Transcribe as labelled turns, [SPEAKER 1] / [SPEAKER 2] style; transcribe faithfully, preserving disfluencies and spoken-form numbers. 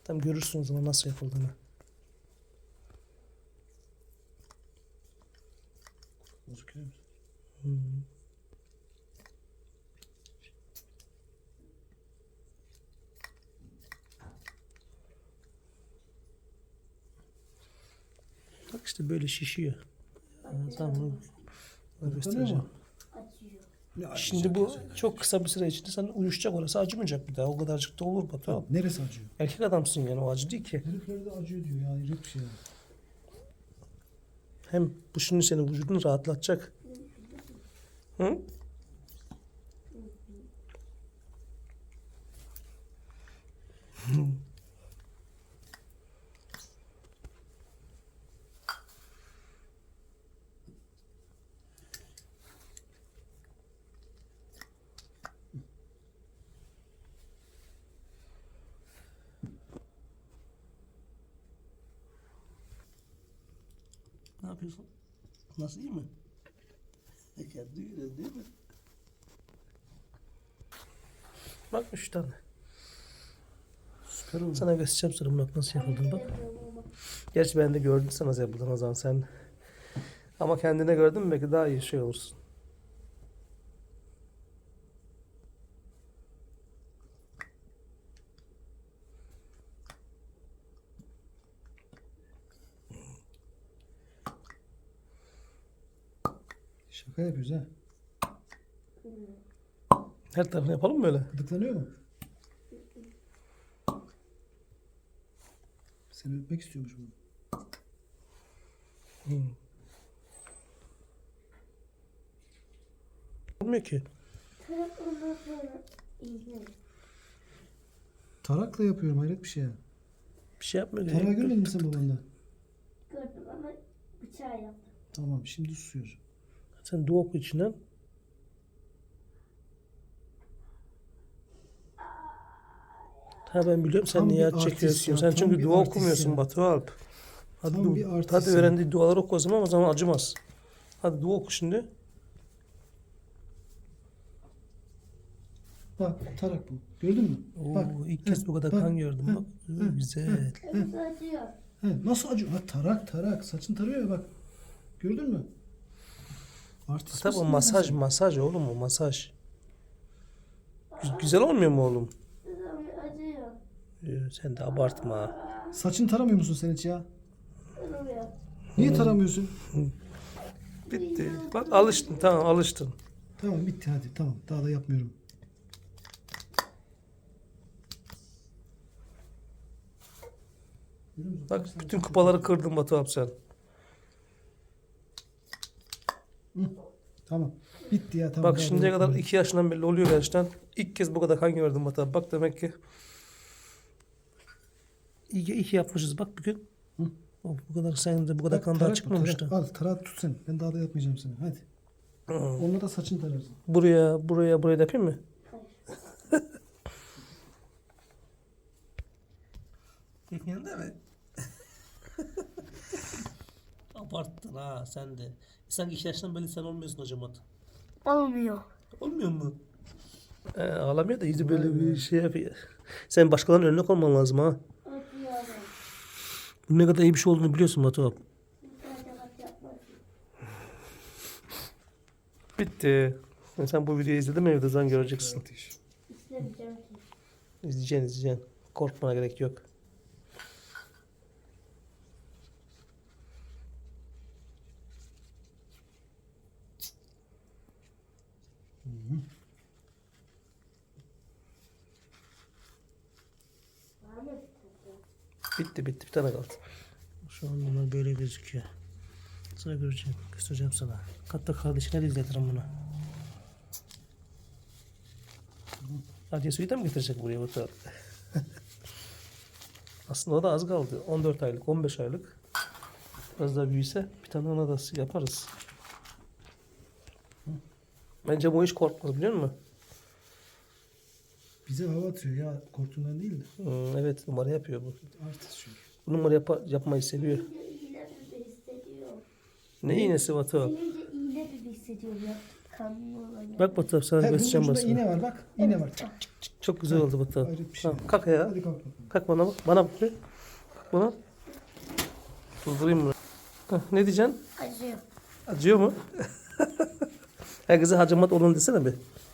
[SPEAKER 1] Tam görürsün o zaman nasıl yapıldığını.
[SPEAKER 2] Gözüküyor mu?
[SPEAKER 1] Hmm. Bak işte böyle şişiyor. Yani tamam. Bunu göstereceğim.
[SPEAKER 3] Acıyor.
[SPEAKER 2] Ne
[SPEAKER 1] Şimdi bu çok kısa bir süre içinde sana uyuşacak, orası acımayacak bir daha. O kadarcık da olur Batu abi.
[SPEAKER 2] Neresi acıyor?
[SPEAKER 1] Erkek adamsın yani, o acı değil ki.
[SPEAKER 2] Heriflerde acıyor diyor ya. Hayret bir şey. ya.
[SPEAKER 1] Hem bu şimdi senin vücudunu rahatlatacak. Hı? Ne yapıyorsun? Nasıl, iyi mi? Kendi öyle değil mi? Bak üç tane.
[SPEAKER 2] Süper oldu.
[SPEAKER 1] Sana göstereceğim sonra bak nasıl yapıldığını bak. Gerçi ben de gördüm sana nasıl yapıldığını o zaman sen. Ama kendine gördün mü belki daha iyi şey olursun.
[SPEAKER 2] Şaka yapıyoruz ha.
[SPEAKER 1] Her tarafını yapalım mı öyle?
[SPEAKER 2] Gıdıklanıyor mu? Seni öpmek istiyormuş bu.
[SPEAKER 1] Hmm. Olmuyor ki.
[SPEAKER 3] Tarak ondan sonra iğne.
[SPEAKER 2] Tarakla yapıyorum, hayret bir şey ya.
[SPEAKER 1] Bir şey yapmıyor.
[SPEAKER 2] Tarağı görmedin mi sen babanda?
[SPEAKER 3] Gördüm ama bıçağı yaptım.
[SPEAKER 2] Tamam, şimdi susuyor.
[SPEAKER 1] Sen dua oku içinden. Ha ben biliyorum sen
[SPEAKER 2] Tam
[SPEAKER 1] niye
[SPEAKER 2] bir
[SPEAKER 1] acı
[SPEAKER 2] artist
[SPEAKER 1] çekiyorsun.
[SPEAKER 2] ya,
[SPEAKER 1] Sen
[SPEAKER 2] tam
[SPEAKER 1] çünkü
[SPEAKER 2] bir
[SPEAKER 1] dua
[SPEAKER 2] artist
[SPEAKER 1] okumuyorsun
[SPEAKER 2] ya.
[SPEAKER 1] Batu Alp. Hadi,
[SPEAKER 2] Tam
[SPEAKER 1] du-
[SPEAKER 2] bir artist
[SPEAKER 1] hadi
[SPEAKER 2] ya.
[SPEAKER 1] öğrendiği duaları oku o zaman, o zaman acımaz. Hadi dua oku şimdi.
[SPEAKER 2] Bak, tarak bu. Gördün mü?
[SPEAKER 1] Oo,
[SPEAKER 2] Bak.
[SPEAKER 1] ilk kez
[SPEAKER 2] heh,
[SPEAKER 1] bu kadar
[SPEAKER 2] bak,
[SPEAKER 1] kan gördüm
[SPEAKER 2] heh,
[SPEAKER 1] bak. Oo,
[SPEAKER 2] heh,
[SPEAKER 1] güzel.
[SPEAKER 3] Evet acıyor.
[SPEAKER 2] He, nasıl acıyor? Ha, tarak tarak. Saçın tarıyor ya bak. Gördün mü? Artist
[SPEAKER 1] Tabii o
[SPEAKER 2] misin
[SPEAKER 1] masaj
[SPEAKER 2] sen?
[SPEAKER 1] masaj oğlum, o masaj. Gü- Güzel olmuyor mu oğlum?
[SPEAKER 3] Ama acıyor.
[SPEAKER 1] Ee, Sen de abartma.
[SPEAKER 2] Saçını taramıyor musun sen hiç ya?
[SPEAKER 3] Olmuyor.
[SPEAKER 2] Niye taramıyorsun?
[SPEAKER 1] Bitti. Bak alıştın, tamam alıştın.
[SPEAKER 2] Tamam, bitti hadi. Tamam, daha da yapmıyorum. Görüyor musun?
[SPEAKER 1] Bak
[SPEAKER 2] Kaç tane
[SPEAKER 1] bütün
[SPEAKER 2] saç
[SPEAKER 1] kupaları
[SPEAKER 2] yapıyorsun?
[SPEAKER 1] kırdın Batu abi sen.
[SPEAKER 2] Hı, tamam. Bitti ya, tamam.
[SPEAKER 1] Bak
[SPEAKER 2] daha da
[SPEAKER 1] şimdiye kadar
[SPEAKER 2] yapmıyorum.
[SPEAKER 1] iki yaşından belli oluyor gerçekten. İlk kez bu kadar kan gördüm Batu abi. Bak demek ki iyi ki, iyi ki yapmışız. Bak bugün.
[SPEAKER 2] Hı.
[SPEAKER 1] O, bu kadar sen de bu kadar
[SPEAKER 2] Bak,
[SPEAKER 1] kan daha
[SPEAKER 2] tarak bu,
[SPEAKER 1] çıkmamıştı.
[SPEAKER 2] tarak. Al, tarağı tut sen. Ben daha da yapmayacağım seni. Hadi.
[SPEAKER 1] Hı.
[SPEAKER 2] Onunla da saçını tararsın.
[SPEAKER 1] Buraya, buraya, buraya da yapayım mı? Yapıyorsun değil mi? Abarttın ha sen de. Sanki iki yaştan beri sen olmuyorsun hocam at.
[SPEAKER 3] Olmuyor.
[SPEAKER 1] Olmuyor mu? Ee, ağlamıyor da yüzü böyle bir şey yapıyor. Sen başkalarının önüne konman lazım ha.
[SPEAKER 3] Acıyor.
[SPEAKER 1] Bu ne kadar iyi bir şey olduğunu biliyorsun Batu abi.
[SPEAKER 3] Sadece bak yapmasın.
[SPEAKER 1] Bitti. Sen bu videoyu izledin mi evde zaten göreceksin.
[SPEAKER 3] İstemeyeceğim ki.
[SPEAKER 1] İzleyeceksin izleyeceksin. Korkmana gerek yok.
[SPEAKER 3] Var mı bir tane?
[SPEAKER 1] Bitti bitti, bir tane kaldı. Şu an bunlar böyle gözüküyor. Sonra göreceğim. Göstereceğim sana. Hatta kardeşine de izletirim bunu. Hadi suyu da mı getirecek buraya Batu abi? Aslında o da az kaldı. on dört aylık, on beş aylık. Biraz daha büyüse bir tane ona da yaparız. Bence bu iş korkmaz biliyor musun?
[SPEAKER 2] Bize hava atıyor ya. Korktuğundan değil de.
[SPEAKER 1] Hmm, evet numara yapıyor bu.
[SPEAKER 2] Artist çünkü.
[SPEAKER 1] Bu numara yapa- yapmayı seviyor.
[SPEAKER 3] Senince iğne gibi hissediyor.
[SPEAKER 1] Ne iğnesi Batu abi?
[SPEAKER 3] Senince iğne gibi hissediyorum ya. Kanlı olacak.
[SPEAKER 1] Bak Batu sana
[SPEAKER 2] He, bunun
[SPEAKER 1] göstereceğim
[SPEAKER 2] ucunda
[SPEAKER 1] basını.
[SPEAKER 2] iğne var bak. İğne var. Çak çak çak.
[SPEAKER 1] Çok güzel oldu Batu.
[SPEAKER 2] Hayret bir şey.
[SPEAKER 1] Tamam, kalk ya.
[SPEAKER 2] Hadi kalk bakalım.
[SPEAKER 1] Kalk bana bak. Bana bak bir. Buna. Durdurayım bunu. Heh, ne diyeceksin?
[SPEAKER 3] Acıyor.
[SPEAKER 1] Acıyor mu? Herkese hacamat olun desene bir.